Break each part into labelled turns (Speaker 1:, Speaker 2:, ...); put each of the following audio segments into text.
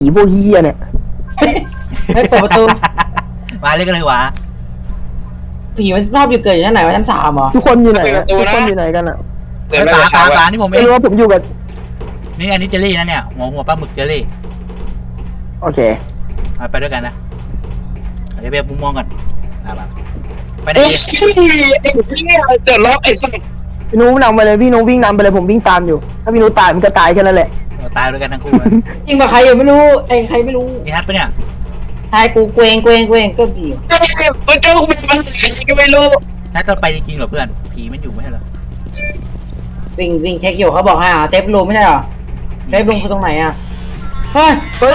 Speaker 1: ผีพวกเฮียเนี่ย
Speaker 2: ให้เปิดประตู
Speaker 3: มาเลยกันเลยวะ
Speaker 2: ผีมันชอบอยู่เกิดอยู่ชั้นไหนวะชั้น3เหรอ
Speaker 1: ทุกคนอยู่ไหนอะทุกคนอยู่ไหนกันอะ
Speaker 3: เฮ้ยปลานี่ผมเอ
Speaker 1: ไม่
Speaker 3: ง
Speaker 1: รู้ว่าผมอยู่กับ
Speaker 3: นี่อันนี้เจลลี่นะเนี่ยหัวปลาหมึกเจลลี่
Speaker 1: โอเค
Speaker 3: ไปด้วยกันนะเดี๋ยวไปมุมมองก่อนไปไหน
Speaker 4: ไอ้
Speaker 3: ดี
Speaker 4: เนี่ยเดือดร้อนไอ้สัตว์
Speaker 1: พี่นุ้นำไปเลยพี่นุ้วิ่งนำไปเลยผมวิ่งตามอยู่ ถ้าพี่นุ้ตายมันก็ตายแค่นั้นแหละ
Speaker 3: ตายด้วยกันทั้งคู่
Speaker 2: จริงป่ะใครอยู่ไม่รู้ไอ้ใครไม่รู้
Speaker 3: นี่ฮัทปะเนี่ย
Speaker 2: ทายกูเกวงก็กี่
Speaker 4: มันเจ้าเป็นมันก็ไม่รู้
Speaker 3: ฮัทเราไปจริงๆเหรอเพื่อนผีมันอยู่ไม่ใช่เหรอ
Speaker 2: วิ่งเช็คอยู่เขาบอกให้เซฟรูมไม่ใช่เหรอเซฟรูมคือตรงไหนอ่ะเฮ้ย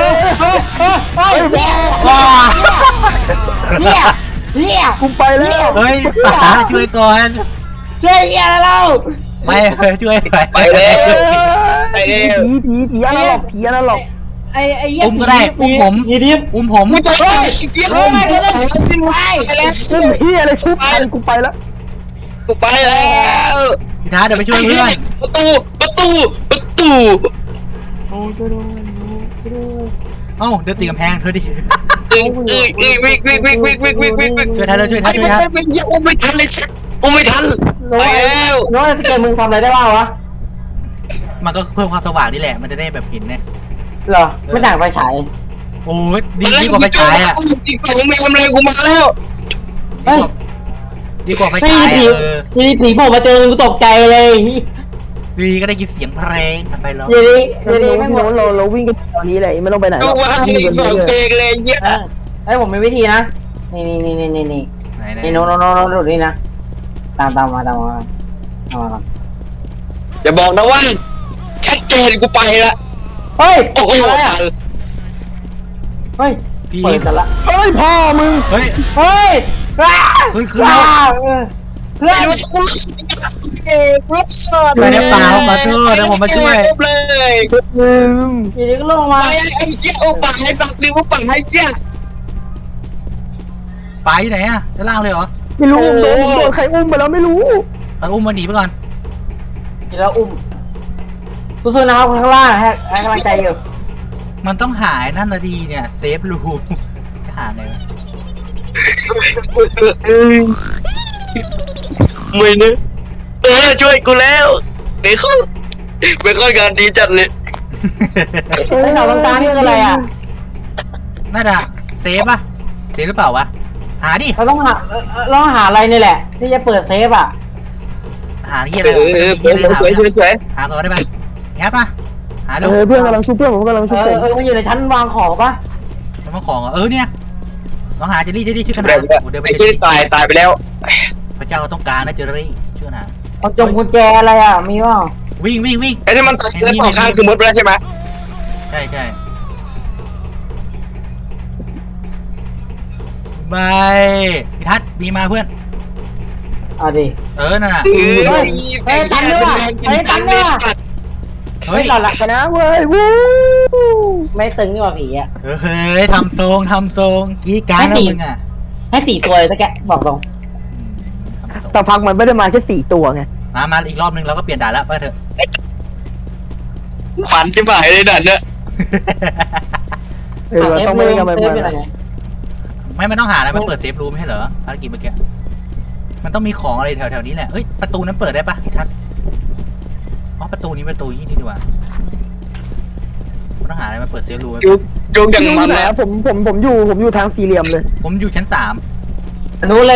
Speaker 2: เนี่ย
Speaker 1: กูไปแล้ว
Speaker 3: เฮ้ยป๋าช่วยก่อน
Speaker 2: ช่วยอะไรเรา
Speaker 3: ไม่ช่วย
Speaker 4: ไปแล้วไปแล้ว
Speaker 1: ผีอันนั้นหรอกผีอันนั้นหรอก
Speaker 2: ไอ้
Speaker 3: อุ้มก็ได้อุ้มผม
Speaker 2: ยีดิบ
Speaker 3: อุ้มผม
Speaker 4: กูจะไปเยี่ยมไปแล้ว
Speaker 1: ซึ่งเฮียอะไรชุบพันกูไปแล้ว
Speaker 4: กูไปแล้ว
Speaker 3: พี่ท้าเดี๋ยวไปช่วยเพื่อน
Speaker 4: ประตู
Speaker 2: โอ้จะโดน
Speaker 3: เอ้าเดินตีกำแพงเธอดิ
Speaker 4: วิ่ง
Speaker 3: ช่วยทันเลยช่วยทัน
Speaker 4: ไม่ทันเลยไม่ทันไปแล้ว
Speaker 2: น้องสเกตมึงทำอะไรได้บ้างวะ
Speaker 3: มันก็เพิ่มความสว่างนี่แหละมันจะได้แบบเห็นเนี่ย
Speaker 2: เหรอไม่ต่างไฟฉาย
Speaker 3: โอ้ยดีกว่าไฟฉายอ่ะ
Speaker 4: อีกฝั่งไม่ทำอะไรกูมาแล้ว
Speaker 3: ดีกว่าไฟ
Speaker 2: ไม่
Speaker 3: ฉาย
Speaker 2: ผีมีผีโผล่มาเจอกูตกใจเลย
Speaker 3: ดีก็ได้ยินเสียงเพลงผ่านไปแล้ว
Speaker 2: ยีดิ
Speaker 1: พี่นุ้
Speaker 2: ไม่หมด
Speaker 1: เราวิ่งกันตอนนี้เลยไม่ต้องไปไหนหร
Speaker 4: กู
Speaker 1: อก
Speaker 4: ว่าอีกฝั่งเพลงเลยเยี่ย
Speaker 2: เฮ้ยผมมีวิธีนะนี่นี่โน้ดูนี่นะตามมาก่อน
Speaker 4: อย่าบอกนะว่าชัดเจนกูไปละ
Speaker 2: เฮ้ย
Speaker 4: โอ้โห
Speaker 2: อะไรอ่ะเฮ้ย
Speaker 3: พี่
Speaker 2: เปิดกันละ
Speaker 1: เฮ้ยพ่อมึง
Speaker 3: เฮ้ย
Speaker 2: เฮ้ย
Speaker 3: ขึ้นแล้ว
Speaker 2: เพื่อน
Speaker 3: ไม่ได้เปล่าขอโทษเดี๋ยวผมมาช่วย
Speaker 4: เลย
Speaker 1: มึง
Speaker 2: ยีดิก็ลงมา
Speaker 4: ไปไอ้เจ้าป่าให้บักดิวป่าให้เจ้า
Speaker 3: ไปไหนอ่ะด้านล่างเลยเหรอ
Speaker 1: ไม่รู้โดนใครอุ้มไปแล้วไม่รู้
Speaker 3: อุ้มมันหนีไปก่อน
Speaker 2: ยีแล้วอุ้มสู้ๆนะครับข้างล่างให้กำลังใจอยู่
Speaker 3: มันต้องหายนั่นนะดีเนี่ยเซฟรูมจะหาไงวะ
Speaker 4: ไม่นะช่วยกูแล้วเบคอนงานดีจัดเลย
Speaker 2: ไอ้หนอนตานี่คืออะไรอ่ะ
Speaker 3: น่าจะเซฟป่ะเซฟหรือเปล่าวะหาดิ
Speaker 2: เราต้องหาอะไรนี่แหละ ที่จะเปิดเซฟอ่ะ
Speaker 3: หาที่อะไร
Speaker 4: สวย
Speaker 3: หาก่อนได้ไหมงัดมาหาดู
Speaker 1: เพื่อนกำลังชุบเพื่อนผมกำลังชุบผม
Speaker 2: มันอยู่ในชั้นวางของปะ
Speaker 3: มันของเนี่ยลองหาเจลลี่ช่วยกัน
Speaker 4: แบ
Speaker 3: หา
Speaker 4: บไอ้ที่ตายไปแล้ว
Speaker 3: พระเจ้าต้องการนะเจลลี่ช่วยหา
Speaker 2: เอาจงกุญแจอะไรอ่ะมีป่ะ
Speaker 3: วิ่ง
Speaker 4: ไอ้ที่มันตายแล้วสองข้างคือมดไปแล้วใช่ไหม
Speaker 3: ใช่บายพี่ทัศน์มีมาเพื่อน
Speaker 2: เอาดิ
Speaker 3: นั่นน่ะ
Speaker 2: เฮ้ยหลับกันนะ
Speaker 1: เว้ยวู้
Speaker 2: ไม่ตึงนี่หว่าผีอ่ะ
Speaker 3: เฮ้ยทำทรงกี้การนะมึงอ่ะ
Speaker 2: ให้4 ตัวเลยตะแกบอกตรง
Speaker 1: สักพักมันไม่ได้มาแค่4 ตัวไง
Speaker 3: มาอีกรอบนึงเราก็เปลี่ยนด่านแล้วไปเถอะ
Speaker 4: ฝันที่หายเลยนั่นเนี่ย
Speaker 1: เราต้องไม่ได้กันไป
Speaker 2: เซฟ
Speaker 1: มา
Speaker 2: เป็นอะไร
Speaker 3: ไม่ต้องหาอะไรมันเปิดเซฟรูมไม่ใช่เหรอภารกิจเมื่อกี้มันต้องมีของอะไรแถวนี้แหละเอ้ยประตูนั้นเปิดได้ปะพี่ทัศน์อ๋อประตูนี้นี่ดีกว่าต้องหาอะไรมาเปิดเซฟรูม
Speaker 4: จุกอย่าง
Speaker 1: พี่นุ้
Speaker 4: มัน
Speaker 1: ไหน
Speaker 4: แล้ว
Speaker 1: ผมอยู่ทางสี่เหลี่ยมเลย
Speaker 3: ผมอยู่ชั้น3
Speaker 2: รู้เลย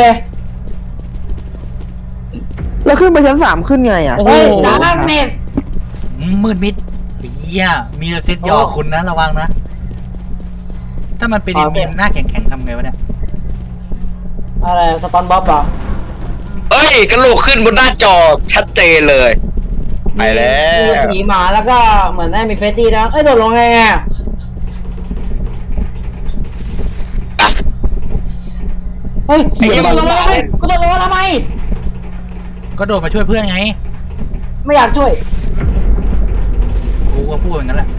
Speaker 1: แล้วขึ้นไปชั้น3ขึ้นไงอ่ะ
Speaker 3: โอ้โห
Speaker 2: เฮ้ยดาร์กเน็ต
Speaker 3: มืดมิดเฮียมีเซตยอคุณนะระวังนะถ้ามันเป็นเมียมหน้าแข็งทำไงวะเนี่ย
Speaker 2: อะไรสปอนบ๊อบเหรอ
Speaker 4: เอ้ยกระโหลกขึ้นบนหน้าจอชัดเจนเลยไปแล้ว
Speaker 2: ผีหมาแล้วก็เหมือนได้มีเฟสตี้นะโดดลงไงเฮ้ยกูโดดลงมาทำไม
Speaker 3: ก็โดดมาช่วยเพื่อนไง
Speaker 2: ไม่อยากช่วย
Speaker 3: กูก็พูดอย่างนั้นแหละ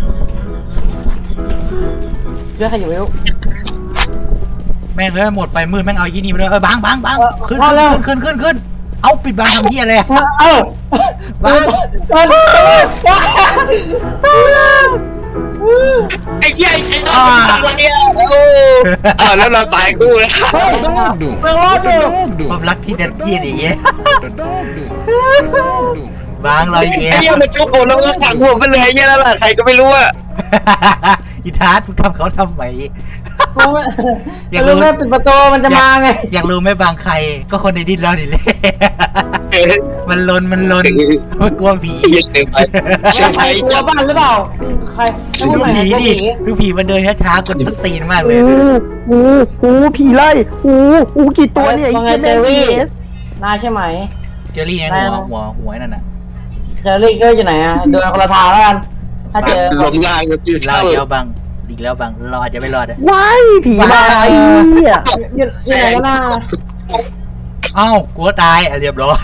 Speaker 2: เรื่องใครอยู่ไม่รู้
Speaker 3: แม่งหมดไฟมืดแม่งเอายี่นี่ไปเลยบังขึ้นเอาปิดบังทำเฮียเลย
Speaker 2: เออ
Speaker 3: บัง
Speaker 2: เออ
Speaker 4: ไอ้เหี้ยไอ้เหี้ยทำอะไรเนี่ยโอ้แล้วเราตายกูนะ
Speaker 5: What the dog doing?
Speaker 2: เมืองรอด
Speaker 5: What
Speaker 2: อ
Speaker 5: the
Speaker 2: ยู่
Speaker 5: dog
Speaker 3: ความ
Speaker 5: doing?
Speaker 3: รักที่ดัดเจียดอย่างเงี้ย
Speaker 5: What the dog doing? What the dog doing?
Speaker 3: บางเราอย่างเงี้ย
Speaker 4: ไอ้เหี้ยมันจุกผมแล้วก็ขังหัวไปเลยไอ้เหี้ยนั่นแหละใครก็ไม่รู้อะ
Speaker 3: อีทาร์ตมึงทำเขาทำไม อยากรู้
Speaker 2: รู้ไหมปิดประตูมันจะมาไง
Speaker 3: อยากรู้ไหมบางใครก็คนในดินเราดิเลย มันลนมันกลัวผี
Speaker 4: เหี้ยเกินไปเชื่อ
Speaker 2: ใคร
Speaker 4: ใช้
Speaker 2: กลัว
Speaker 4: จับ
Speaker 2: บ้านหรือเปล่าใคร
Speaker 3: ดูผีดิดูผีมันเดินช้าๆกดต้นตีนมากเลย
Speaker 1: ผีไล่กี่ตัวเนี่ย
Speaker 2: ว่าไงเจอรี่นายใช่ไหม
Speaker 3: เจอรี่เนี่ยหัวนั่นน่ะ
Speaker 2: เจอรี่ก็อยู่ไหนอ่ะเดินคนละทางแล้วกันถ้าเจอ
Speaker 4: ลมล่างก็คือ
Speaker 3: เรา
Speaker 4: เช่า
Speaker 3: เดียวบางอีกแล้วบางเราอาจจะไม่รอดอะ
Speaker 1: ว้ายผีมาไอ้เนี่ย
Speaker 2: อยู่ไหนกันน่ะ
Speaker 3: เอ้ากลัวตายเรียบร้อย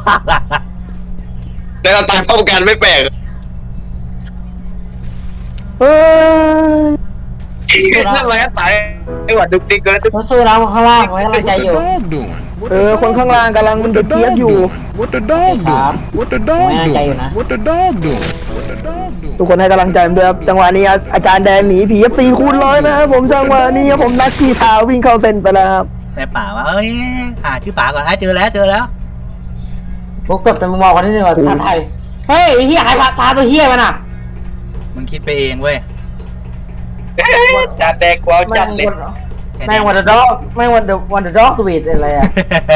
Speaker 4: แต่เราตายพร้อมกันไม่แปลก
Speaker 1: เอ้ย
Speaker 4: นั่นแหละตายไอ้หวัดดุกดิกเกิน
Speaker 2: เราสู้แล้วข้างล่างไว้กำลังใจ
Speaker 5: What
Speaker 2: อ
Speaker 5: the
Speaker 2: ยู่
Speaker 5: dog doing? What
Speaker 1: คนข้างล่างกำลังมัน
Speaker 5: What
Speaker 1: เดื
Speaker 5: the
Speaker 1: อดเจี๊ยบ
Speaker 5: dog
Speaker 1: อยู่
Speaker 5: doing? What the dog doing? What the dog
Speaker 2: Mấy anh chạy rồi nè.
Speaker 5: doing? What the dog doing? What the dog doing?
Speaker 1: ทุกคนให้กำลังใจผมด้วยครับจังหวะนี้อาจารย์แดงหนีผี4x100นะครับผมจังหวะนี้ผมนักขี่เท้าวิ่งเข้าเส้นไปแล้วครับ
Speaker 3: ในป่าว่าเอ้ยหาชื่อป่าก่อนเจอแล้ว
Speaker 2: พวกเกือบจะมึงบอกกันนิดนึงว่าท่าไทยเฮ้ยเฮียหายตาตัวเฮียมันอ่ะ
Speaker 3: มึงคิดไปเองเว้ย
Speaker 4: จัดแดกกวาวจัดเลย
Speaker 2: แม่งวันเดอร์ด็อกแม่งวันเดอร์ด็อกสวีทอะไรอ่ะ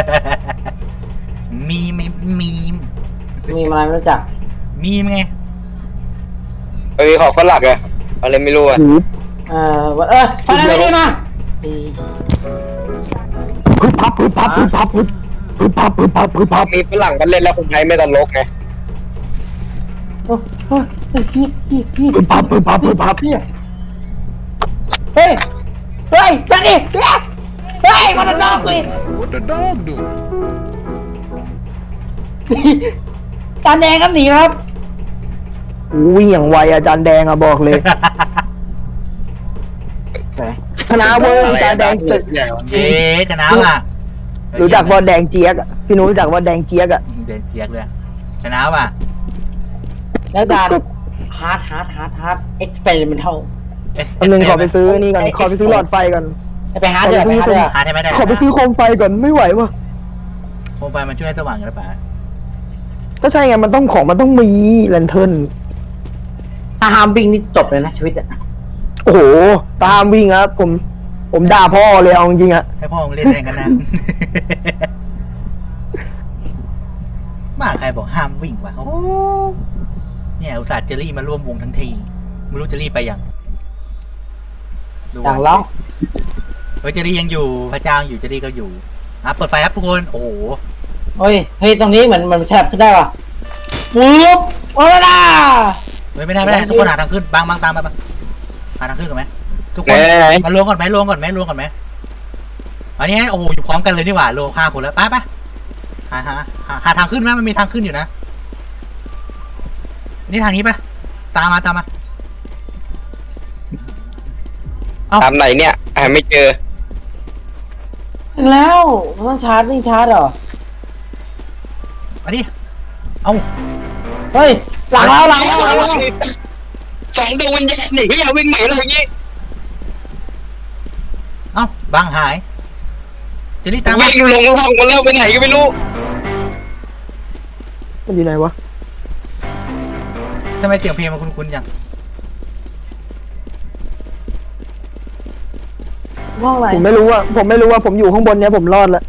Speaker 3: มีม
Speaker 2: มีอะไรไม่รู้จัก
Speaker 3: ไง
Speaker 4: ของฝรั่งอะอะไรไม่รู้อะ
Speaker 2: ฟังอะไรไม่ดีมา
Speaker 1: พึบพับ
Speaker 4: มีฝรั่งกันเล่นแล้วคนไทยไม่ตลกไง
Speaker 2: พี่
Speaker 1: พึบพับ
Speaker 2: เฮ้ยจัดดิเฮ้ยวันเดอร์ด็อกสวีท
Speaker 5: What the dog doing?
Speaker 2: ตาแดงครับหนีครับ
Speaker 1: วิ่งอย่างไวอาจารย์แดงอะบอกเลยชนะเว้ยอาจารย์แดงตึก
Speaker 3: เย้จะน้ำอ่ะ
Speaker 1: รู้จักว่าแดงเจี๊ยกอะพี่นุ้ยรู้จักว่าแดงเจี๊ยกอะ
Speaker 3: เดินเจียกเลยชนะว่ะ
Speaker 2: แล้วจานฮาร์ดเอ็กซ์เพร์เมนทัล
Speaker 1: อันนึงขอไปซื้อนี่ก่อนขอไปซื้อหลอดไฟก่อน
Speaker 2: ไปฮาร์ดเลย
Speaker 3: หาได้ไหมได้
Speaker 1: ขอไปซื้อโคมไฟก่อนไม่ไหววะ
Speaker 3: โคมไฟมันช่วยให้สว่างกันหรือเปล่า
Speaker 1: ก็ใช่ไงมันต้องมีแลนเทิร์น
Speaker 2: ถ้าฮามบิงนี่จบเลยนะชีวิตอ่ะ
Speaker 1: โอ้โหตามวิ่งครับผมด่าพ่อเลยเอาจริงๆอะ
Speaker 3: ให้พ่อมึงเล่นแรงกันนะ บ้าใครบอกห้ามวิ่งวะโอ้เนี่ยอุตส่าห์เจอรี่มาร่วมวงทั้งทีไม่รู้เจอรี่ไปยัง
Speaker 2: ต่างร้อง
Speaker 3: เฮ้ยเจอรี่ยังอยู่พระเจ้าอยู่เจอรี่ก็อยู่เปิดไฟครับทุกคนโอ้โห
Speaker 2: เฮ้ยตรงนี้เหมือนแฉบขึ้นได้ป่ะปุ๊บโอ้ยล่ะ
Speaker 3: ไม่ได้ทุกคนหาทางขึ้นบางตามมาหาทางขึ้นก่อนไหมทุกคนมาลงก่อนไหมอันนี้โอ้โหอยู่พร้อมกันเลยนี่หว่าลง5 คนแล้วไปหาทางขึ้นไหมมันมีทางขึ้นอยู่นะนี่ทางนี้ปะตามมา
Speaker 4: ตามไหนเนี่ยไม่เจอ
Speaker 2: ถึงแล้วต้องชาร์จวิ่งชาร์จเหรอ
Speaker 3: อันนี้เอา
Speaker 2: เฮ้ยหลังแล้ว
Speaker 4: สองดวงวิญญาณหนีไม่อยากวิ่งหนีอะไรอย่างงี้
Speaker 3: เอาบางหายเจอรี่ตามมา
Speaker 4: วิ่งลงล่องมาแล้วไปไหนก็ไม่รู้
Speaker 1: มันอยู่ไหนวะ
Speaker 3: ทำไมเสียงเพลงมันคุ้นๆจัง
Speaker 2: ห้องไหน
Speaker 1: ผมไม่รู้ว่าผมอยู่ข้างบนเนี้ยผมรอดแล้ว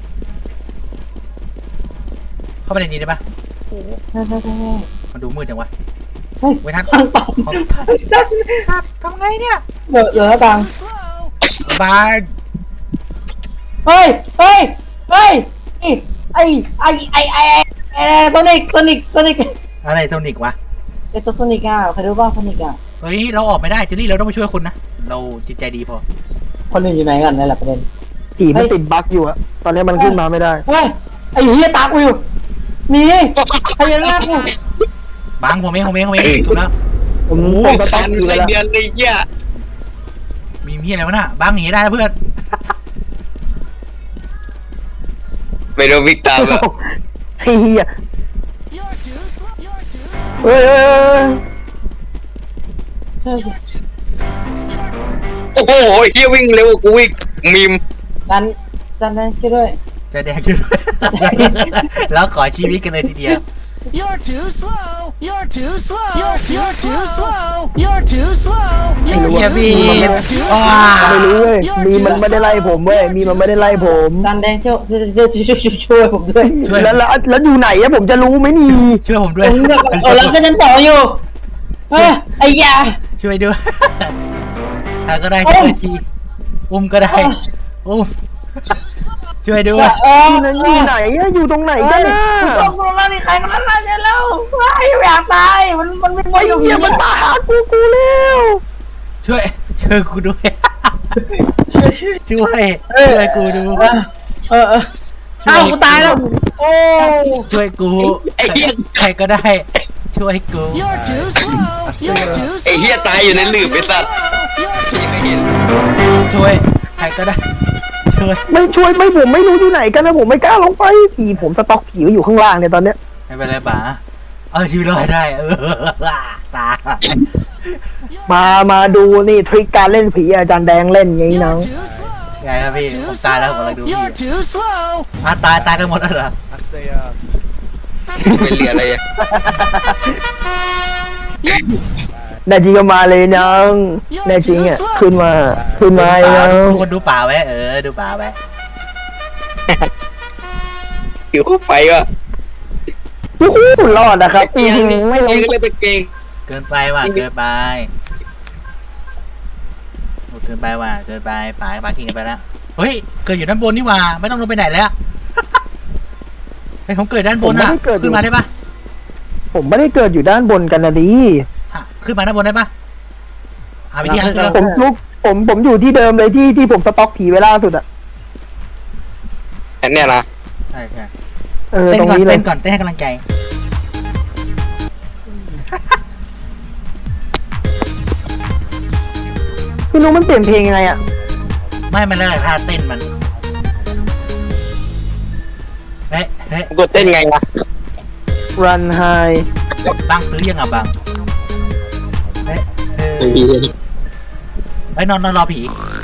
Speaker 3: เข้าไปในนี้ได้ปะ
Speaker 2: ใช่
Speaker 3: มันดูมืดจังวะ
Speaker 2: เฮ้ย
Speaker 3: ไว้ทัด
Speaker 2: ตังตัง
Speaker 3: สัตว์ทำไงเนี่ย
Speaker 2: เหลือตัง
Speaker 3: บาย
Speaker 2: เฮ้ยไอ้ตัวนิก
Speaker 3: อะไรโทนิกวะ
Speaker 2: ไอ้ตัวนิกอ่ะใครรู้บ้างตัวนิกอ่ะ
Speaker 3: เฮ้ยเราออกไม่ได้เจอรี่เราต้องไปช่วยคนนะเราจิตใจดีพอ
Speaker 2: คนอื่นอยู่ไหนกันนี่แหละประเด็น
Speaker 1: ผีมันติดบั๊กอยู่อะตอนนี้มันขึ้นมาไม่ได้
Speaker 2: เฮ้ยไอ้เหี้ยตากูอยู่นี่พญานาคกู
Speaker 3: บางผมเองถูกแล้ว
Speaker 1: ผมก็
Speaker 4: คั
Speaker 1: ต้อง
Speaker 4: น
Speaker 1: อยู่
Speaker 4: ไร
Speaker 1: แล้ว
Speaker 4: เดือนเลยเหี้ย
Speaker 3: มีเมียอะไรวะน่ะบางหนีได้แล้วเพื่อน
Speaker 4: ไม่โดนวิ่งตามอะ
Speaker 1: เฮียเฮ้ย
Speaker 4: โอ้โหเฮียวิ่งเร็วกว่ากูวิ่งมีม
Speaker 2: ดันแดงช่วยด้วย
Speaker 3: จะแดงขึ้น แล้วขอชีวิตกันเลยทีเดียว
Speaker 6: You're too slow. You're too slow. You're too slow. You're too slow.
Speaker 3: ไอ้เหี้ยบีมว้า
Speaker 1: ไม่รู้เว้ยมีมันไม่ได้ไล่ผมเว้ยมีมันไม่ได้ไล่ผม
Speaker 2: ดันแดงช่วยผมด้วย
Speaker 3: ช่วย
Speaker 1: แล้วอยู่ไหนอะผมจะรู้ไหมนี่
Speaker 3: ช่วยผมด้วย
Speaker 2: แล้วก็ฉันต่ออยู่ไอ้ยา
Speaker 3: ช่วยด้วยถ้าก็ได้ช่วยทีอุ้มก็ได้อุ้มช่วยด้วย
Speaker 1: อยู่ไหนอะอยู่ตรงไหนกันนะ
Speaker 2: ต้องรู้แล้วนี่ใครกันนั่นล่ะเนี่ยแล้วไม่อยากตายมันไม่ไหวอยู่
Speaker 1: เหี้ยมันมาหากูแล้ว
Speaker 3: ช่วยกูด้วยช่วยกูดู
Speaker 2: เอ้ากูตายแล้วโอ้
Speaker 3: ช่วยกูใครก็ได้ช่วยกู
Speaker 6: You're too slow. You're too
Speaker 4: ไอ้
Speaker 6: slow.
Speaker 4: เฮียตายอยู่ในหลืบไอ้สัตว์พี่ไม่เห็น
Speaker 3: ช่วยใครก็ได้ช่วย
Speaker 1: ไม่ช่วยไม่ผมไม่รู้อยู่ไหนกันนะผมไม่กล้าลงไปผีผมสต็อกผีไว้อยู่ข้างล่างเนี่ยตอนเนี้ย
Speaker 3: ไม่เป็นไรป๋าเอาชีวิตรอดได้ตา
Speaker 1: มาดูนี่ทริคการเล่นผีอาจารย์แดงเล่นไงน้อง
Speaker 6: You're too slow.
Speaker 3: ไงครับพี่ผมตายแล้วผมกำลังดูพี่
Speaker 6: You're too slow.
Speaker 3: ตายกันหมดแล้วเหรอ
Speaker 4: ไม่เหลืออะไรอ่ะ
Speaker 1: แน่จริงก็มาเลยน้องแน่จริงอ่ะขึ้นมาไอ้น้อง
Speaker 3: ทุกคนดูป่าไว้ดูป่าไว้
Speaker 4: หิวเข้าไปว่ะ
Speaker 1: โอ้โหรอดนะครับ
Speaker 4: เอียงนี่
Speaker 1: ไม่ลง
Speaker 4: เอียงเลยตะเกง
Speaker 3: เกินไปว่ะเกินไปป่ากินกันไปแล้วเฮ้ยเกิดอยู่ด้านบนนี่หว่าไม่ต้องลงไปไหนแล้วไอ้ผมเกิดด้านบนอ่ะขึ้นมาได้ปะ
Speaker 1: ผมไม่ได้เกิดอยู่ด้านบนกันนะดิ
Speaker 3: ขึ้นมาด้านบนได้ปะวิธีขึ้น
Speaker 1: ผมอยู่ที่เดิมเลยที่ผมสต็อกผีไว้ล่าสุดอ่ะ
Speaker 4: อันเนี้ยนะ
Speaker 3: ใช่
Speaker 1: ต
Speaker 3: เต้น
Speaker 1: รง
Speaker 3: ก่อน
Speaker 1: นี้เลย
Speaker 3: เต้นก่อนเต้นให้กำลังใจ
Speaker 1: พี่นุ้มันเปลี่ยนเพลงยังไงอ่ะ
Speaker 3: ไม่มันแล้วแต่ท่าเต้นมันเฮ้ย
Speaker 4: กดเต้นไงวะ
Speaker 1: Run High
Speaker 3: บังซื้อยังอ่ะบังเฮ้ยนอนรอผี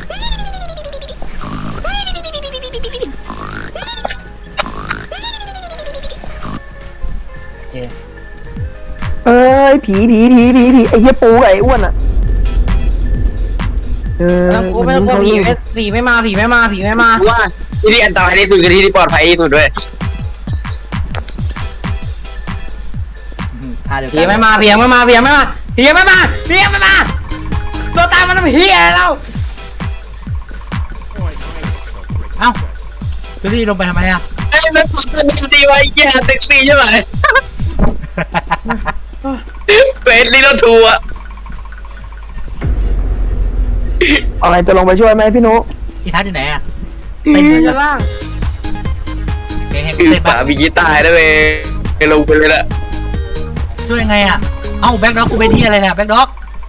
Speaker 1: เอ้ยผีไอ้เหี้ยปูกับไอ้อ้วนอ่ะ
Speaker 2: ไม่ต้องกลัวผีไม่มา
Speaker 4: ว่าที่ที่อันตรายที่สุดคือที่ที่ปลอดภัยที่สุดด้วย
Speaker 3: ท่าเดียว
Speaker 2: ผี
Speaker 3: กัน
Speaker 2: ไม่มาตัวตามมันเฮียแล้ว
Speaker 3: เอ้าไปที่ลงไปทำไมอ่ะ
Speaker 4: ไอ้แม่งมันดีวะไอ้เหี้ยเซ็กซี่ใช่ไหมเฟสลิโนทูอะ
Speaker 1: อะไรจะลงไปช่วยไหมพี่นุ้
Speaker 3: อีทัศน์อยู่ไหนอ่ะ
Speaker 2: ตี
Speaker 3: เต้น
Speaker 2: ด้านล่าง
Speaker 3: เห็น
Speaker 4: คือ
Speaker 3: เต้น
Speaker 4: ป่า
Speaker 3: ปะ
Speaker 4: มีกีตาร์ด้วยเว้ยไปลงไปเลยละ
Speaker 3: ช่วยยังไงอ่ะเอ้าแบ็คด็อกกูเป็นที่อะไรเนี่ยแบ็คด็อก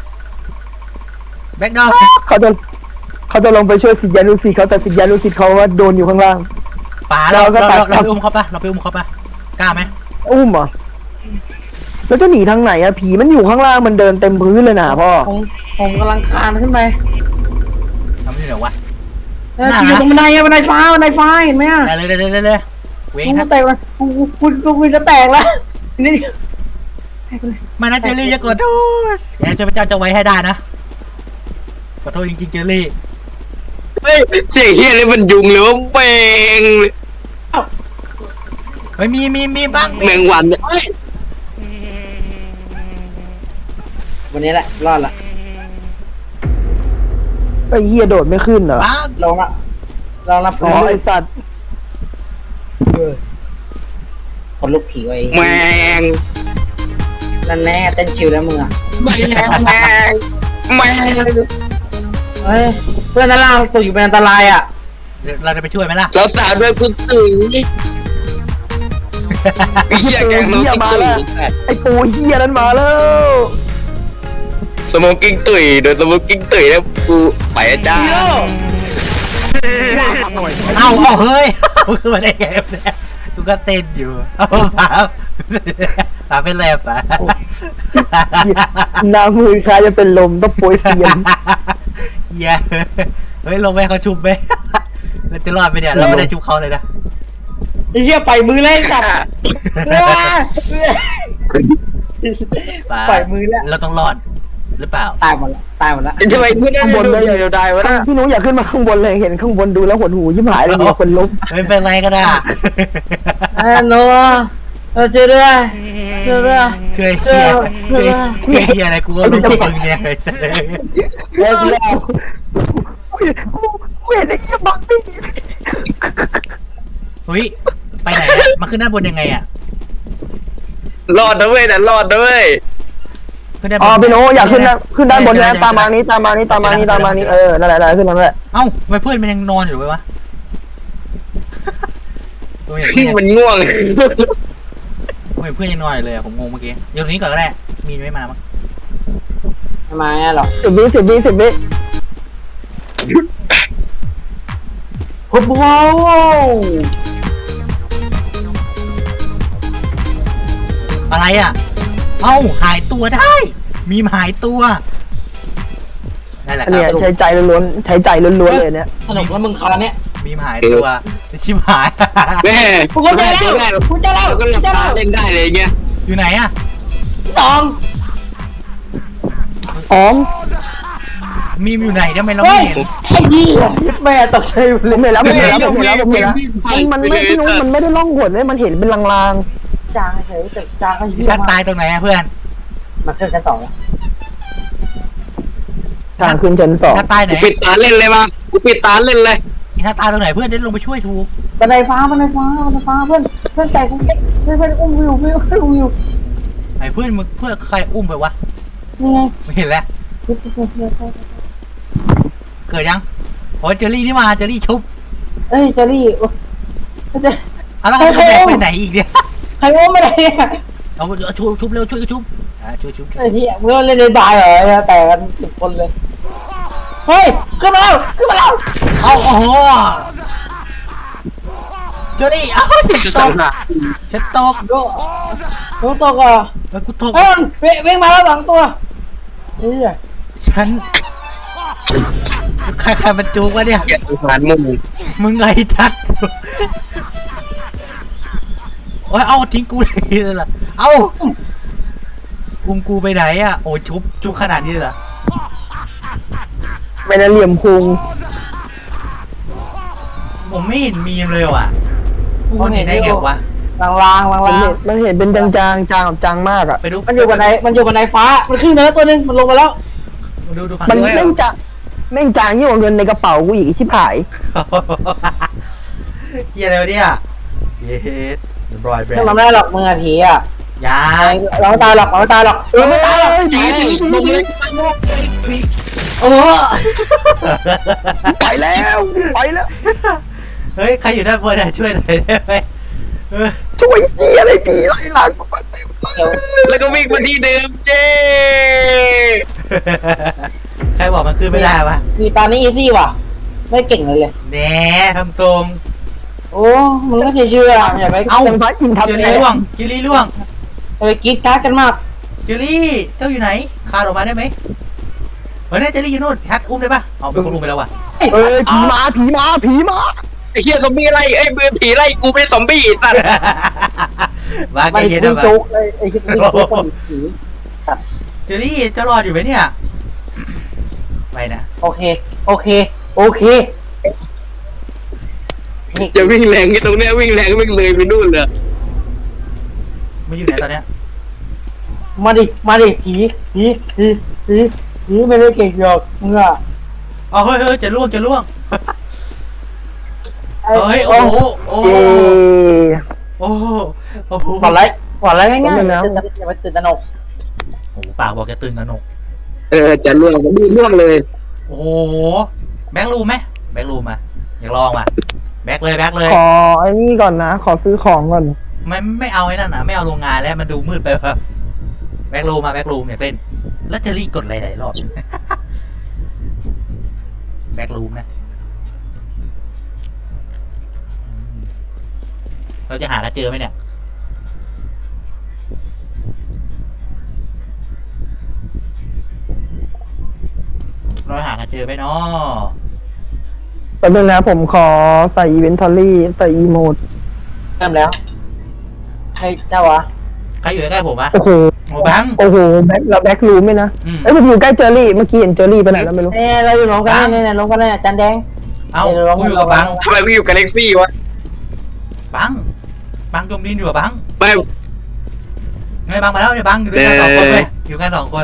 Speaker 1: เขาจะลงไปช่วยศิษยานุศิษย์เขาแต่ศิษยานุศิษย์เขาว่าโดนอยู่ข้างล่าง
Speaker 3: ป่าเราไปอุ้มเขาปะกล้าไหม
Speaker 1: อุ้มเหรอแล้วจะหนีทางไหนอะผีมันอยู่ข้างล่างมันเดินเต็มพื้นเลยนะพ่อ
Speaker 2: ผมกำลังคานขึ้นไป
Speaker 3: ทำที่ไหนวะ
Speaker 2: อยู่ตรงบันไดฟ้าเห็นไหมอ่ะ
Speaker 3: เลยเวง
Speaker 2: กู
Speaker 3: ครับ
Speaker 2: แตกแล้วกูจะแตกแล้วนี่
Speaker 3: มานะเจลลี่จะกดโทษเดี๋ยวเจ้าพระเจ้าจะไว้ให้ได้นะขอโทษจริงๆเจลลี่
Speaker 4: เฮ้ยเสียงเฮียเลยมันยุงหรือว่าแมง
Speaker 3: เฮ้ยมีบ้าง
Speaker 4: แมงวันเนี่ย
Speaker 2: วันนี้แหละรอดละ
Speaker 1: ไอ้เหี้ยโดดไม่ขึ้นเหรอ
Speaker 3: บ้าง
Speaker 2: ลองละ
Speaker 1: อ๋อไอ้สัตว์
Speaker 2: คนลุกผีไว้
Speaker 4: แมง
Speaker 2: นั่นแน่เต้นชิวแล้วมึงอ่ะ
Speaker 4: แมง
Speaker 2: เฮ้ยเพื่อนด้านล่างตกอยู่เป็นอันตรายอ่ะ
Speaker 3: เราจะไปช่วยไหมล่ะ
Speaker 4: สาวๆด้วยคุณตื่นเฮียแกงน้องกิ๊กตุ๋ย
Speaker 1: ไอ้ปูเหี้ยนั้นมาแล้ว
Speaker 4: สโมกิ้งตุ๋ยโดยสโมกิ้งตุ๋ยแล้วกูไปจ้า
Speaker 3: เอาเฮ้ยคือมาได้ไงเนี่ยกูก็เต้นอยู่เอาเปล่าป๋าเป็นไรป๋า
Speaker 1: หน้ามือคล้ายจะเป็นลมต้องโปรยเสียง
Speaker 3: เฮียเฮ้ยลงไปเขาชุบไหมเราจะรอดไหมเนี่ยเราไม่ได้ชุบเขาเลยนะ
Speaker 2: ไอ้เหี้ยไปมือเลยสัตว์
Speaker 3: ป๋า
Speaker 2: ปล่อยมือแล้ว
Speaker 3: เราต้องรอดหรือเปล่า
Speaker 2: ตายหมดแล้วตายหมดแล้ว
Speaker 4: ทำไมกูได้ดูเดี๋ยวได้วะนะ
Speaker 1: พี่หนูอยากขึ้นมาข้างบนเลยเห็นข้างบนดูแล้วหดหูยิ่งหายเลยมีคนล้ม
Speaker 3: เฮ้ยเป็นไรก็ได้
Speaker 2: โน้เราช่วยด้วยช่วยด้วย
Speaker 3: ช่วยเฮียช่วยเฮียอะไรกูก็รู้กับมึงเนี่ย
Speaker 2: แล้วแล้ว
Speaker 1: เวทไอ้ยี่บักนี่
Speaker 3: เฮ้ยไปไหนอะมาขึ้นด้านบนยังไงอะ
Speaker 4: รอดนะเว้ยนะรอดนะเว้ย
Speaker 3: ขึ้นด้านบ
Speaker 1: อ๋อน พี่หนูอยากขึ้นด้านบนนะตามมานี้นั่นแหละขึ้นนั่นแหละ
Speaker 3: เอ้าทำไมเพื่อนมันยังนอนอยู่วะตัวอย่าง
Speaker 4: พี่
Speaker 3: นี้
Speaker 4: มันง่วง
Speaker 3: ทำไมเพื่อนยังนอนอยู่เลยอะผมงงเมื่อกี้เดี๋ยวนี้ก่อนก็ได้มีไม่มามั้ง
Speaker 2: ทำไมหรอ
Speaker 1: 10 วิ
Speaker 2: โอ้โห
Speaker 3: อะไรอะเอ้าหายตัวได้ มีหายตัวนั่นแหละค
Speaker 1: เนี่ย
Speaker 3: รับ
Speaker 1: ใช้ใจล้วนๆใช้ใจล้วนๆเลยเนี่ย
Speaker 2: สนุกแล้วมึงคาราเนี่ย
Speaker 3: มีหายตัวชิบหาย
Speaker 4: แม่
Speaker 2: กูก็ได้แล้วกูจะเล่า
Speaker 4: เราก็หลับตาเล่นได้เลยเงี้ย
Speaker 3: อยู่ไหนอะ
Speaker 2: สอง
Speaker 1: อ๋อ
Speaker 3: มีมอยู่ไหนทำไมเรา
Speaker 2: เฮ้
Speaker 3: ไม่
Speaker 2: ย
Speaker 3: เห็น
Speaker 2: ไอ้เหี้ยแม่ตกใจหมด
Speaker 1: ผ
Speaker 2: เลย
Speaker 1: มเห็นแล้วมันไม่พี่หนูมันไม่ได้ล่องหนเลยมันเห็นเป็นลาง
Speaker 2: จางเฉยแต่จางก็เหี้ย
Speaker 3: ท่าน
Speaker 2: มา
Speaker 3: ตายตรงไหนอะเพื่อน
Speaker 2: มาขึ้นชั้นสองแล้ว
Speaker 1: ๆทางขึ้นชั้น2
Speaker 3: ท่านตายไหน
Speaker 4: ปิดตาเล่นเลยมากูปิดตาเล่นเลย
Speaker 3: ท่านตายตรงไหนเพื่อนได้ลงไปช่วยถูก
Speaker 2: บันไดฟ้าเพื่อนเพื่อนแต่กูเพื่อนอุ้มวิววิว
Speaker 3: ไอ้เพื่อนมึงเพื่อนใครอุ้มไปวะ
Speaker 2: นี่ไง
Speaker 3: ไม่เห็นแล้วเกิดยังโอ้ยเจอรี่นี่มาเจอรี่ชุบ
Speaker 2: เอ้ยเจอรี่จะ
Speaker 3: เอาแล้วเขาแบกไปไหนอีกเนี่ย
Speaker 2: ใครอุ้มไม่ได้
Speaker 3: เอาชุบเร็วช่วยชุบช่วยชุบ
Speaker 2: ไอ้ที่เพื่อนเล่นในบาร์เหรอแต่กัน10 คนเลยเฮ้ยขึ้นมาแล้ว
Speaker 3: เอาโอ้โหเจอรี่เอ้าฉันตก
Speaker 2: โดนตกอ่ะ
Speaker 3: แล้วกูตก
Speaker 2: เฮ้ยมันวิ่งมาแล้ว2 ตัวเฮ้ย
Speaker 3: ฉันใครมันจูกวะเนี่ย
Speaker 4: อย่าสงสารมึง
Speaker 3: มึงไงทัดโอ้ยเอาทิ้งกูเลยเหรอเอาอุ้มกูไปไหนอ่ะโอ้ยชุบขนาดนี้เลยเหรอ
Speaker 1: ไม่ได้เหลี่ยมพุง
Speaker 3: ผมไม่เห็นมีมเลยว่ะกูเห็นได้ไงวะ
Speaker 2: ลางๆ
Speaker 1: มันเห็นเป็นจางกับจางมากอ่ะ
Speaker 3: ไปดู
Speaker 2: มันอยู่บนไดฟ้ามันขึ้นเนื้อตัวนึงมันลงมาแล้ว
Speaker 3: ดูฝั่ง
Speaker 1: มัน
Speaker 3: นี้
Speaker 1: แม่งจางยิ่งกว่าเงินในกระเป๋ากูอีกชิบหาย
Speaker 3: เฮียอะไรวะเนี่ยเยสบรอยแบรน
Speaker 2: ไม่
Speaker 3: ด์
Speaker 2: ทำได้หรอกมึงอะผีอ่ะ
Speaker 3: ยา
Speaker 2: เราไม่ตายหรอกเราไม่ตายหรอก
Speaker 4: จีบลงเลย
Speaker 3: โอ้
Speaker 1: ไปแล้วไปแล้ว
Speaker 3: เฮ้ยใครอยู่ด้านบนอะช่วยหน่อยได้ไหม
Speaker 1: ช่วยเหี้ยอะไรผีไล่หลังกูมาเต็มเลย
Speaker 4: แล้วก็วิ่งมาที่เดิมเจ้
Speaker 3: ใครบอกมันขึ้นไม่ได้วะ
Speaker 2: มีตานี่อีซี่ว่ะไม่เก่งเลย
Speaker 3: แหน่ทำทรง
Speaker 2: โอ้มึงก็เชื่ออย่าไป
Speaker 3: เอ้า
Speaker 1: ยังพัดกินทับ
Speaker 3: เจอรี่ล่วงเจอรี่ล่วง
Speaker 2: ไปกรีดการ์ดกันมาก
Speaker 3: เจอรี่เจ้าอยู่ไหนคานออกมาได้ไหมเฮ้ยเจอรี่อยู่นู่นฮัทอุ้มได้ปะเอาไปคนอุ้มไปแล้ววะ
Speaker 1: เอ้ยผีมา
Speaker 4: ไอ้เหี้ยซอมบี้ไล่ไอ้เบื่อผีไล่กูเป็นซอมบี้ตัด
Speaker 3: ว่าแก
Speaker 2: ไม่
Speaker 3: เย็น
Speaker 2: คุ
Speaker 3: นะ
Speaker 2: ย
Speaker 3: ปะ
Speaker 2: โจ๊กเลยไอ้ที่คุยโจ๊กคนผี
Speaker 3: เจอรี่จะรอดอยู่ไหมเนี่ยไปนะ
Speaker 2: โอเค
Speaker 4: จะวิ่งแรงที่ตรงเนี้ยวิ่งแรงวิ่งเลยไปนู่นเลย
Speaker 3: มันอยู่ไหนตอนเนี้ย
Speaker 2: มาดิผีไม่ได้เก่งหรอกมึงอะ
Speaker 3: อ๋อเฮ้ยจะล่วงเฮ้ยโอ้โหโอ้โห
Speaker 1: เอ้
Speaker 3: โอ้โห
Speaker 2: ก่อนไรง่ายๆอย่าไปตื่นตระหนก
Speaker 3: โอ้โหปากบอกจะตื่นกันหนก
Speaker 4: จะล่วงดีล่วงเลย
Speaker 3: โอ้โหแบ็กรูมไหมแบ็กรูมมาอยากลองมาแบ็กเลย
Speaker 1: ขอไอ้นี่ก่อนนะ ขอซื้อของก่อน
Speaker 3: ไม่เอาไอ้นั่นนะไม่เอาโรงงานแล้วมันดูมืดไปว่ะแบ็กรูมมาแบ็กรูมอยากเล่นแล้วจะรีกดหลายรอบ แบ็กรูมนะเราจะหากันเจอไหมเนี่ยเจอไหมเนาะ
Speaker 1: แป๊บนึงนะผมขอใส่อีเวนทอรี่ใส่อีโมด
Speaker 2: เริ่มแล้วใครเจ้าวะ
Speaker 3: ใครอยู่ใกล้ผมอะ
Speaker 1: โอ้โห
Speaker 3: โอ้บัง
Speaker 1: โอ้โหแบ็ครูมไหมนะ
Speaker 3: อืม
Speaker 1: เอ้ยผมอยู่ใกล้เจอรี่เมื่อกี้เห็นเจอรี่ไปไหนแล้วไม่รู้
Speaker 2: เนี่ยเราอยู่ลงกันเนี่ยลงกันเนี่ยจานแดง
Speaker 3: เอ้ากูอยู่กับบัง
Speaker 4: ทำไมกูอยู่กับเล็กซี่วะ
Speaker 3: บังจมดินอยู่กับบัง
Speaker 4: ไม่
Speaker 3: ไงบังมาแล้วเนี่ยบังอยู่ด้วยกันสองคนเลยอยู่กันสองคน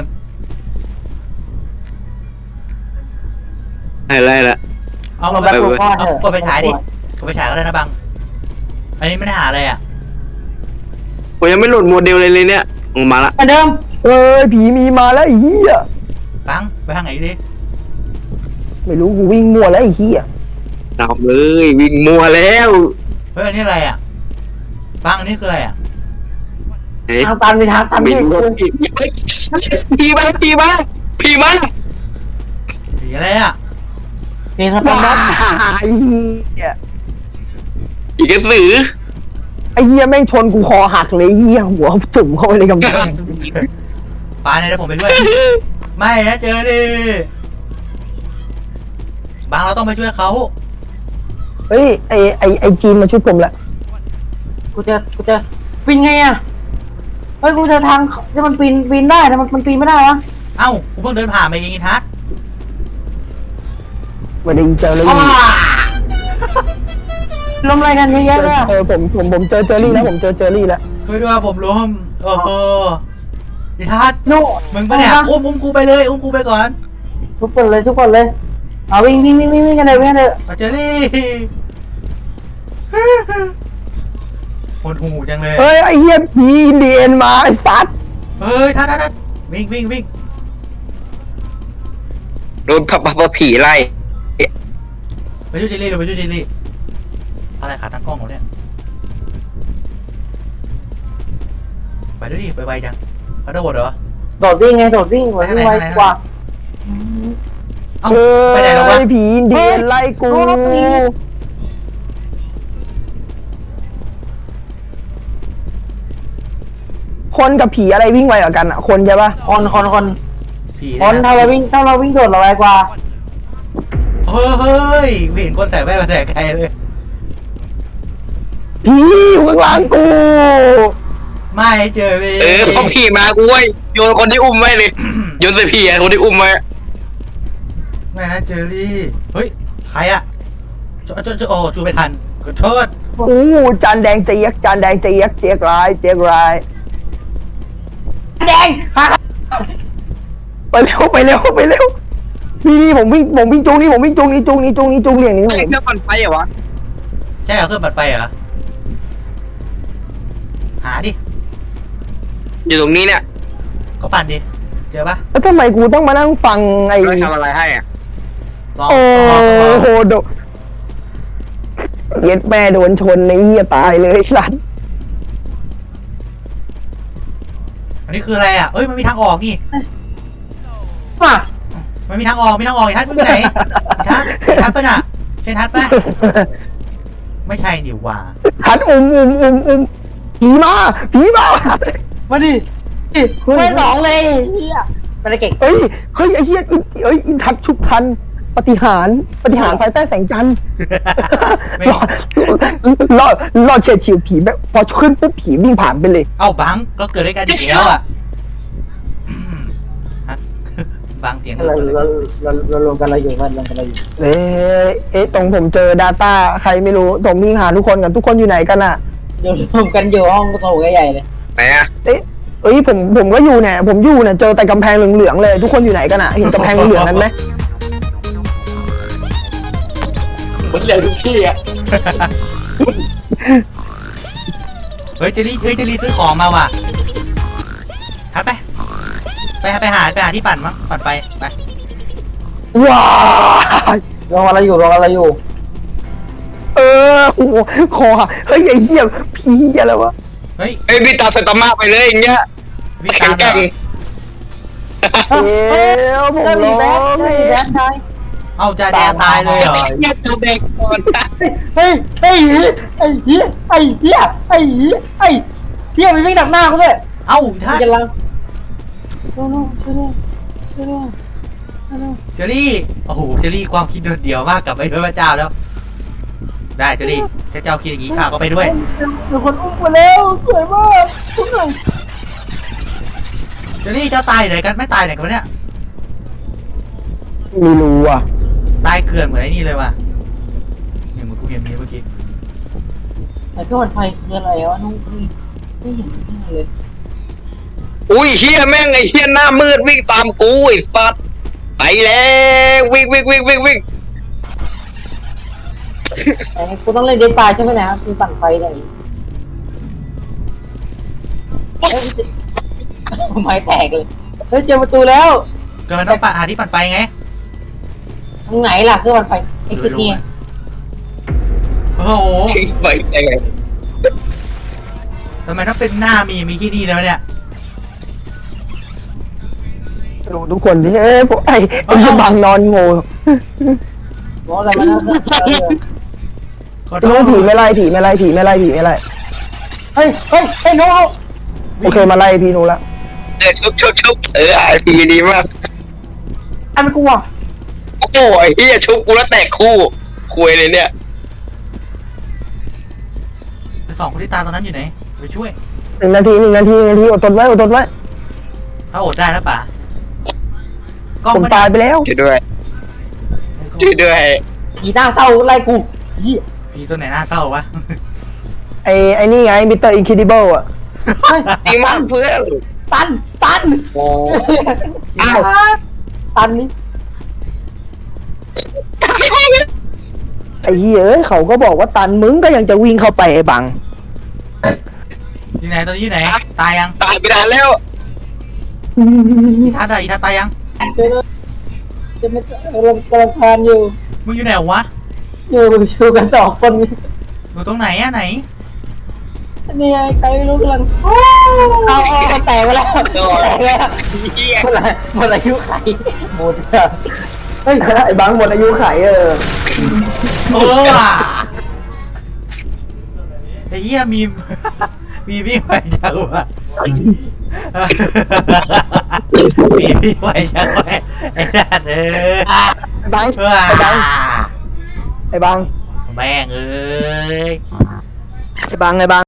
Speaker 4: อะไรละ
Speaker 3: เอา
Speaker 2: เรา
Speaker 3: มา
Speaker 2: แบบลูกพ่อเถ
Speaker 3: เอา
Speaker 2: อะ
Speaker 3: กดไฟฉายดิกดไฟฉายก็ได้นะบังอันนี้ไม่ได้หาอะไรอ่ะ
Speaker 4: ผมยังไม่โหลดโมเดลเลยเนี่ยออกมาละ
Speaker 2: เหมือนเดิม
Speaker 1: เอ้ยผีมีมาแล้วไอ้เหี้ย
Speaker 3: บังไปทางไหนดิ
Speaker 1: ไม่รู้กูวิ่งมั่วแล้วไอ้เหี้ย
Speaker 4: ตามเลยวิ่งมัวแล้ว
Speaker 3: เฮ้ยอันนี้อะไรอ่ะบังอันนี้คืออะไรอ่ะ
Speaker 4: เฮ้ย
Speaker 2: ทางตันไปทางตัน
Speaker 4: ไม่
Speaker 2: นี่
Speaker 4: รู้พี่มาพี่มาพี่มา
Speaker 3: ผีอะไรอ่ะ
Speaker 2: นี่ถ้า
Speaker 1: ว้า
Speaker 2: เป็น
Speaker 1: ไอ้เหี้ย
Speaker 4: อีกกระสือ
Speaker 1: ไอ้เหี้ยแม่งชนกูคอหักเลยไอ้เหี้ยหัวจุ่มเข้าไปในกำแพง
Speaker 3: ปาเนี่ยเดี๋ยวผมไปด้วยไม่นะเจอดิบังเราต้องไปช่วยเขา
Speaker 1: เฮ้ยไอ้จีนมาช่วยผมละ
Speaker 2: กูจะปีนไงอ่ะเฮ้ยกูจะทางที่มันปีนได้แต่มันปีนไม่ได้วะ
Speaker 3: เอ้ากูเพิ่งเดินผ่านมาเองอีทัศน์
Speaker 1: ไม่ได้เจอเลย
Speaker 2: ลมอะไรกันเยอะแยะเลยอะ
Speaker 1: ผมเจอเจอรี่แล้วผมเจอเจอรี่แล้ว
Speaker 3: ช่วยด้วยผมล้มโอ้โหอีทัศน์
Speaker 2: โน่
Speaker 3: มึงปะเนี่ยอุ้มกูไปเลยอุ้มกูไปก่อน
Speaker 2: ทุกคนเลยเอาวิ่งกันเลยวิ่งกันเลย
Speaker 3: มาเจอรี่โหดหูจังเลย
Speaker 1: เฮ้ยไอ้เหี้ยผีอินเดียนมาไอ้สัตว์
Speaker 3: เฮ้ยทัศน์วิ่ง
Speaker 4: โดนผีไล่
Speaker 3: ไปช่วยเจลลี่เราไปช่วยเจลลี่อะไรขาตั้งกล้องเราเนี่ยไปด้วยดิไปไวจังเขาโดดเหรอ
Speaker 2: โดดวิ่งไวกว่า
Speaker 3: เอ้า
Speaker 1: เฮ้
Speaker 3: ไปไหนแล้ววะ
Speaker 1: ยผีอินเดียนไล่กูคนกับผีอะไรวิ่งไวกว่ากันอ่ะคนใช่ปะ
Speaker 2: คน
Speaker 3: ผี
Speaker 2: คนถ้าเราวิ่งโดดเราไวกว่า
Speaker 3: เฮ้ยไม่เห็นคนใส่แว่นมาแต่ไกลเลย
Speaker 1: ผีอยู่ข้างหลังกู
Speaker 3: ไม่เจอเลย
Speaker 4: พอผีมากูเว้ยโยนคนที่อุ้มไว้เลยโยนใส่ผีอะคนที่อุ้มไว้
Speaker 3: ไม่นะเจอรี่เฮ้ยใครอะโอ้จูไม่ทันขอโทษ
Speaker 1: อู้จานแดงเจี๊ยกร้ายเจี๊ยกร้าย
Speaker 2: แดง
Speaker 1: ไปเร็วนี่ผมวิ่งจูงนี่จูงเหลี่ยงนี้
Speaker 4: ไอ้เครื่องปั่นไฟเหรอวะ
Speaker 3: ใช่เหรอเครื่องปัดไฟเหรอหาดิ
Speaker 4: อยู่ตรงนี้เนี่ย
Speaker 3: ก็ปั่นดิเจอปะ
Speaker 1: แล้วทำไมกูต้องมานั่งฟังไอ้
Speaker 4: เราทำอะไรให้อ่ะ
Speaker 3: ลอง
Speaker 1: โอ้โหโดเย็ดแม่โดนชนในเหี้ยตายเลยสัตว์
Speaker 3: อันนี้คืออะไรอะเอ้ยมันมีทางออกนี่
Speaker 2: มา
Speaker 3: มันมีทางออกอีทัศน์มึงไปไหนอีทัศน์ปะน่ะใช่ทัศน์ปะไม่ใช่นี่หว่า
Speaker 1: หันผีมา
Speaker 2: มาดิไม่หนองเลยเฮียไปเลยเก่ง
Speaker 1: เฮ้ยไอ้เหี้ยอินทัดชุบทันปฏิหารภายใต้แสงจันทร์
Speaker 3: ไม่
Speaker 1: รอดเฉียดฉิวผีแบบพอขึ้นปุ๊บผีวิ่งผ่านไปเลย
Speaker 3: เอ้าบังก็เกิดด้วยกันอีกแล้วอะบังเสียง
Speaker 2: เรารวมกันเราอยู่
Speaker 1: เอ๊ะตรงผมเจอ Data ใครไม่รู้ผมวิ่งหาทุกคนกันทุกคนอยู่ไหนกันอ่ะ
Speaker 2: รวมกันอยู่ห้องโถงใหญ่เลย
Speaker 4: ไหนอ่ะ
Speaker 1: เอ้ยผมก็อยู่เนี่ยผมอยู่เนี่ยเจอแต่กำแพงเหลืองๆเลยทุกคนอยู่ไหนกันอ่ะเห็นกำแพงเหลืองๆนั้นไหม
Speaker 4: มันเหลือทุกที่อ่ะ
Speaker 3: เฮ้ยเจลี่ซื้อของมาว่ะทัดไปหาที่ปั่นมั้งปั่นไฟไป
Speaker 1: ว้าย
Speaker 2: รวมกันเราอยู่
Speaker 1: โอ้โหคอเฮ้ยไอ้เหี้ยผีอะไรวะ
Speaker 3: เฮ้ย
Speaker 4: ไอ้พี่ตาสตามาไปเลยอย่างเงี้ย
Speaker 3: วิ่ง
Speaker 4: แข็
Speaker 3: ตาง ม
Speaker 4: แกร่ง
Speaker 1: ผม
Speaker 2: ก็มี
Speaker 1: ร้
Speaker 2: แบ๊
Speaker 1: อก ง
Speaker 2: มีแบ๊กใช่
Speaker 3: เอาจ่าแดงตายเลยเหรอ
Speaker 4: เนี่ยตัวเด็กก่อน
Speaker 2: เฮ้ยไอ้เหี้ยมันวิ่งดักหน้ากูเลย
Speaker 3: เอ้าทัด
Speaker 2: กำลังช่วยด้วย
Speaker 3: เจอรี่โอ้โหเจอรี่ความคิดโดดเดี่ยวมากกับไอ้พระเจ้าแล้ว ได้เจอรี่ถ้าเจ้าคิดอย่างนี้ข้าก็ไปด้วย
Speaker 2: มีคนอุ้มมาแล้วสวยมากทุกคน
Speaker 3: เจอรี่เจ้าตายไหนกันไม่ตายไหนกันวะเนี่ย
Speaker 1: ไม่รู้อ่ะ
Speaker 3: ตายเกลื่อนเหมือนไอ้นี่เลยว่ะเนี่ยเหมือนกูเห็นมีเมื่อกี้
Speaker 2: ไอ้เครื่องปั่นไฟคืออะไรวะน้องไม่เห็นเลย
Speaker 4: อุ้ยเฮียแม่งไอ้เฮียหน้ามืดวิ่งตามกูไอ้สัตว์ไปแล้ววิ่ง
Speaker 2: ไอ้กูต้องเล่นเดนตายใช่ไหมนะคือปั่นไฟอะไรไม้แตกเลยเฮ้ยเจอประตูแล้ว
Speaker 3: ก็มันต้องหาที่ปั่นไฟไง
Speaker 2: ตรงไหนล่ะเครื่องปั่นไฟไอ้คือนี่
Speaker 3: โอ้โห
Speaker 4: ไปยังไง
Speaker 3: ทำไมถ้าเป็นหน้ามีที่นี่แล้วเนี่ย
Speaker 1: ดูทุกคนที่พวกไอ้บังนอนโง่
Speaker 2: บอกอะไรมานะ
Speaker 3: ขอโท
Speaker 1: ดู
Speaker 3: ษ
Speaker 1: ผีไม่ไล่
Speaker 2: เฮ้ยน้อง
Speaker 1: โอเคมาไล่พี่หนูละ
Speaker 4: ชุบพีดีมาก
Speaker 2: อันกูอ่ะ
Speaker 4: โอ้ยเฮียชุบกูแล้วแตกคู่คุยเลยเนี่ย
Speaker 3: สองคนที่ตายตอนนั้นอยู่ไหนไปช่วย
Speaker 1: 1 นาทีอดทนไว้
Speaker 3: ถ้าอดได้แล้วป่ะกล้อง
Speaker 1: ผม
Speaker 3: ไม่
Speaker 1: ตายไปแล้ว
Speaker 4: ช่วยด้วย
Speaker 2: ผีหน้าเศร้าไล่กูยี่
Speaker 3: ผีตัวไหนหน้าเต้าวะ
Speaker 1: ไอ้นี่ไงมิสเตอร์อินคิดิเบิลอ่ะ
Speaker 4: ดีมากเพื่อน
Speaker 2: ตัน
Speaker 4: โอ้
Speaker 3: อ้าว
Speaker 2: ตันนี่
Speaker 1: ไอ้เหี้ยเอ้ยเขาก็บอกว่าตันมึงก็ยังจะวิ่งเข้าไปไอ้บัง
Speaker 3: ที่ไหนตอนนี้อยู่ไหนตายยัง
Speaker 4: ตายไปนานแล้ว
Speaker 3: อีทัศน์อะอีทัศน์ตายยัง
Speaker 2: จะไม่กำลังทานอยู่
Speaker 3: มึงอยู่ไหนวะ
Speaker 2: อยู่กัน2 คน
Speaker 3: อยู่ตรงไหนอะไหน
Speaker 2: นี่ไงใครไม่รู้กำลังเอามันแตกไปแล้วแตกแล้ว
Speaker 4: เฮีย
Speaker 2: หมดอายุไขหมดแล้วเฮ้ย
Speaker 1: ไอ้บังหมดอายุไข
Speaker 3: โอ้ว่ะไอ้เหี้ยมีพี่ไหวจังวะมีพี่ไหวจังวะไอ้นั่น
Speaker 1: ไอ้บัง
Speaker 3: แม่งเอ้ย
Speaker 1: ไอ้บัง